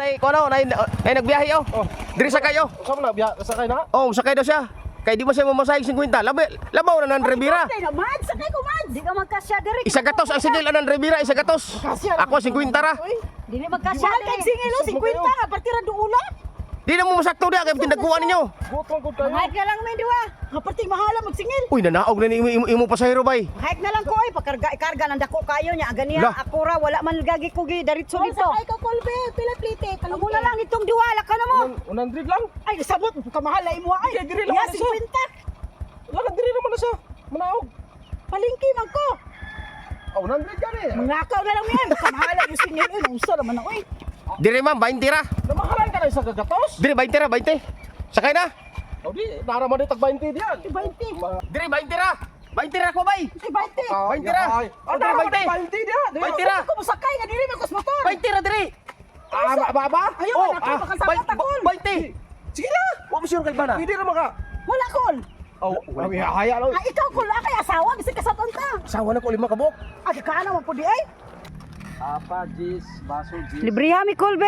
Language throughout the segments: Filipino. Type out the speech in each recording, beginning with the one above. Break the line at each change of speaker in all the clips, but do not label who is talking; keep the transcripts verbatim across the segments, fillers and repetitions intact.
Nay, ko ano, nay, nay nagbiyahe oh.
Oh.
Diri sa kayo.
Saan mo na? Biya, sakay na?
Oh, sakay daw siya. Kay di mo siya mamasahig fifty. Labi, labaw na ng Rivera.
Mad, sakay ko mad. Di ka magkasya diri.
Isa gatos ang sigil ng Rivera, isa gatos. Ako fifty ra.
Dili magkasya diri. Singilo fifty nga partira duula.
Di na mo masakto dia kay tindaguan ninyo.
Gutong ko kayo.
Hike na lang may diwa. Kapati mahala magsingil.
Uy, nanaog na ni imo, imo, imo pasahero bay.
Hike na lang ko ay pakarga ikarga nang dako kayo nya ganiya
Lah.
ako ra wala man gagi ko gi diretso dito.
Sakay ka kolbe, pila plite,
Amo na lang itong diwala ka na mo.
Unang drip lang.
Ay sabot ka mahal ay mo ay.
Kaya diri lang
Ya
ano siya.
fifty.
Wala diri naman na siya. Manaog.
Palingki man ko.
Oh, unang drip ka ni.
Mangakaw na lang yan. Kamahala yung singil uy, unsa naman na uy.
Dire ma'am, twenty ra.
Namahalan ka na sa gagatos.
Dire twenty ra, twenty. Sakay na.
Oh, di naraman di tag twenty diyan.
twenty.
Dire twenty ra. twenty ra ko bay.
twenty.
twenty ra.
Oh,
Oh,
naraman
twenty.
di twenty diyan.
twenty ra.
Ko masakay nga diri man ko sa motor.
twenty ra dire.
Ah, ba ba? ba?
Ayaw
Oh,
na ako baka sa
bay-
takol.
twenty.
Sige na.
Wa mo sure kay bana.
Hindi naman ka.
Wala kol.
Oh, ay haya lang.
Ah, ikaw kol kay asawa bisig kasaton ta.
Sawa na ko lima ka buok.
Ah, ka na mo po di ay.
Apa jis, baso jis.
Libriha mi kol be.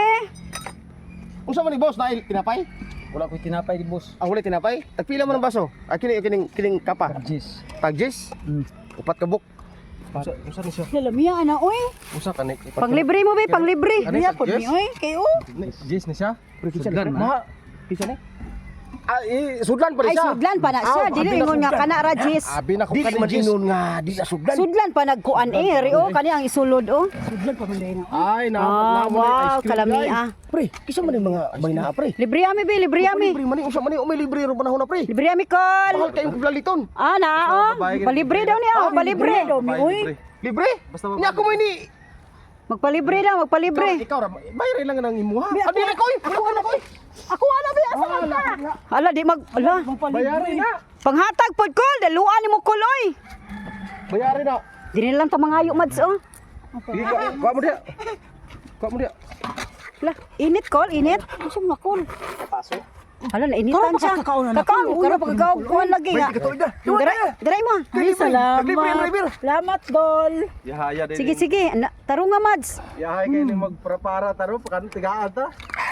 Unsa man ni boss na tinapay?
Wala ko tinapay di boss.
Ang huli tinapay? Tagpila mo ng baso? Ah, kini kining kining kapa.
Jis.
Tagjis?
Hmm.
Upat ka buok.
Usa usa ni siya.
Lalamiya ana oy.
Usa ka ni.
Panglibre mo be, panglibre.
Ano
Niya
yung
po
yes?
ni oy kayo.
Jis ni siya.
Sudlan
Ma.
Kisa ni? Ah, eh, sudlan pa rin
Ay
siya.
sudlan pa na siya,
Ah,
dili
abi na
ingon nga
sudlan.
kana ra jis.
Abi na ko
Di
kanin
man
jis.
inon nga, di na sudlan.
Sudlan pa nagkuan eh, rio kani ang isulod oh. Sudlan pa man din.
Ay, na
Ah,
na mo
wow,
ice cream.
kalami
guys.
ah.
Pre, kisa man yung mga bay na pre.
Libriha mi be, libriha mi.
Libre man unsa man ni umay libre ro panahon na pre.
Libriha mi kol.
Mahal kayong plaliton.
Ah, na oh. Palibre daw niya, oh, palibre. Uy,
Libre?
Basta
Nya ako mo ini.
magpalibre daw, magpalibre.
Ikaw ra, bayray lang ng imuha. Abi na ko, ako na ko.
Ako ana ba asa man ka? Hala di mag ala.
Bayarin na.
Panghatag pod kol, daluan nimo kol oy.
Bayarin na.
Dili lang ta mangayo mads oh.
Sige ko, kuha mo dia. Kuha mo dia.
Hala, init kol, init. Unsa man kol?
Paso.
Hala na initan siya. Kakao, karo pagkakaw kuan lagi nga. Dira, dira mo. Ay salamat.
Libre driver.
Salamat dol.
Yahaya din.
Sige sige, na, taro nga mads.
Yahay kayo ni magprepara taro kan tigaan ta.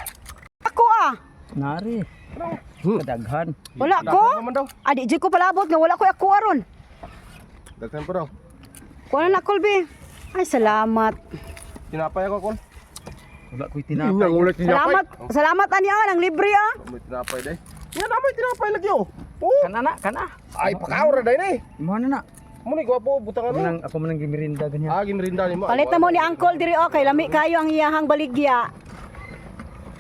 Ako ah.
Nari. Kadaghan.
Wala ko.
Naman daw.
Adi di ko palabot nga wala ko ako aron.
Daghan pa daw.
Kuha na kolbe. Ay salamat.
Tinapay ako kon.
Wala ko'y
Tinapay.
tinapay.
Ulit
Salamat. Salamat anya ang libre ah.
May tinapay dai. Yan na may tinapay lagi oh. Oh.
Kana na, kana.
Ay pakaw ra dai ni.
Imo na na.
Mo ni gwapo butang
Ako
ano.
nang ako man nang gimirinda ganyan.
Ah, gimrinda ni mo.
Palit na mo ni Uncle diri oh kay lami kayo ang iyahang baligya.